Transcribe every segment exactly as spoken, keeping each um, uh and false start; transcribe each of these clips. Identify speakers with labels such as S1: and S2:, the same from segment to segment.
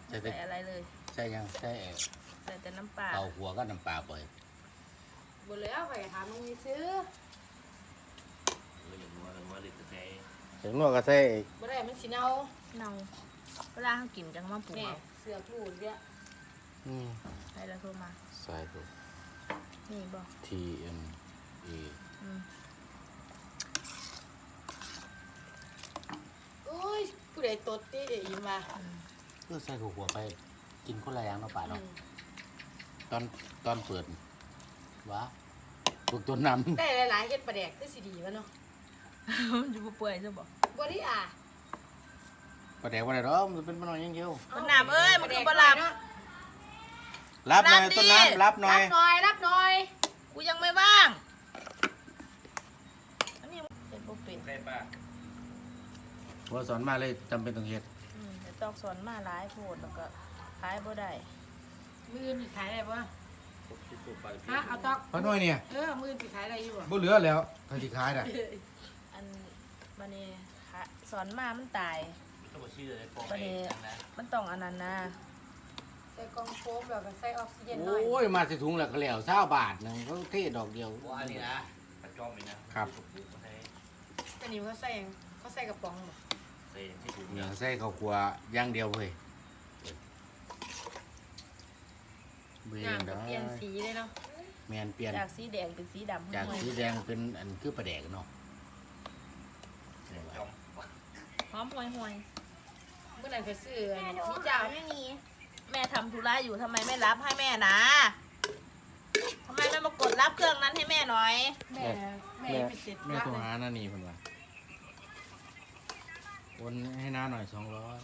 S1: ใส่อะไรเลย
S2: ใช่ยังใช่
S1: ใส่แต่น้ำปลา
S2: เตาหัวก็น้ำปลาปล่อย
S3: บ่แล้วข่อยถามมึงมีซื้อ
S4: เอออย่างนัวกันว่าเลยจะใช้
S2: ถึงนวดก็ใส่
S3: บ่ได้มันสิเน่า
S1: เนาเวลาเขากินจังมาปรุง
S3: แม่
S1: เอา
S3: เสือกลูดเนี่ย
S2: อืม
S1: ใส่แล้วโทรมา
S2: ใส่ตัว
S1: นี่บอก
S2: T M A
S1: อืม
S3: โอ้ยผู้ใดตดติอีมา
S2: เพื่อใส่หัวไปกินคนละอย่างเนาะป่า
S3: อื
S2: เนาะ
S3: ม
S2: ตอนตอนเปิดวะถูกตัวนำ
S3: แต่หลายๆเฮ็ดปลาแดกคือสิดีวะเนาะ
S1: อยู่บ่เปื่อยจะบอก
S3: บ่ได้อ่ะ
S2: ประเดี๋ยววันไหนหรอมันเป็นมันน้อยอยังเดียว
S1: มันหนามเอ้ยมันคือบะหลาม
S2: รับหน่อย
S1: รับดิ
S2: ต้นน้ำรับหน่อย
S3: รับหน่อยรับหน่อย
S1: กูยังไม่ว่างอันนี้เป็นบ่เป็น
S4: ใช่ป่ะ
S2: หัวสอนมาเลยจำเป็นต้องเฮ็ด
S1: อืมแต่ตอกสอนมาหลายโพดแล้วก็ขายบ่ได้
S3: มื้อนี้ขายได้บ่
S4: สุกๆไป
S3: ฮะเอาตอก
S2: เพราะน้อยเนี่ย
S3: เออมื้อนี้ขายได้อยู่บ่
S2: บ่เหลือแล้วถ้าสิขายน่ะ
S1: อันบัดนี้ค่ะสอนมามันตาย
S4: ต้องมาชื่อเลยฟอง
S1: บัด
S4: เอ
S1: นี้
S4: งนะ
S1: มันต้องอันนั้นนะ
S3: ใส่กล่องโฟมแล้วก็ใส่ออกซิเจนหน่อย
S2: โอ้ยมาสิถุงแล้วก็แล้วเศร้าบาทหนึงเขาเทดอกเดียว
S4: ว่าอันนี้นะกระจอมนี่นะครับ สุกๆมาให้
S3: อันนี้เขาใส่หยังเขาใส่กระป๋องบ่
S4: ใส่ให้ถุง
S2: เนี่
S4: เนี่ย ย
S2: ใส่ข้าวคั่วอย่างเดียวเว้ยเบิ่ง
S3: น้ำก็
S2: ได้
S3: เปลี่ยนสีเลยเนาะ
S2: แมนเปลี่ยน
S1: จากสีแดงเป็นสีดำ
S2: จาก
S1: ห่วย
S2: สีแดงเป็นอันคือปลาแดกเนาะ
S4: จอม
S1: หอมห่วยห่วย
S3: เมื่อนั้นก็ซื้ออัน
S1: แม่
S3: นี้
S1: ดู
S3: มี
S1: เจ้า
S3: เจ้า
S1: ไม่มีแม่ทำธุระอยู่ทำไมไม่รับให้แม่นะทำไมไม่มากดรับเครื่องนั้นให้แม่หน่อย
S3: แม่แม่ไปเสร็จ
S2: แม่
S3: ละ
S2: โทร
S3: เลย
S2: หานั่นนี่เพิ่นว่าโอนให้น้าหน่อยสองร้อย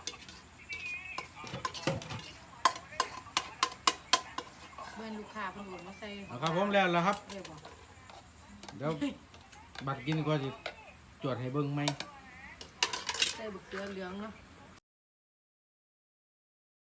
S3: เบิ่นลูกค้าเพิ่นโอนมาใส่
S2: เอาครับผมแล้วแล้วครับ
S3: เรียกบ่
S2: เดี๋ยวบัตรกินก็สิจวดให้เบิ่งไหม
S3: ใส่บุกเกลือเหลืองเนาะ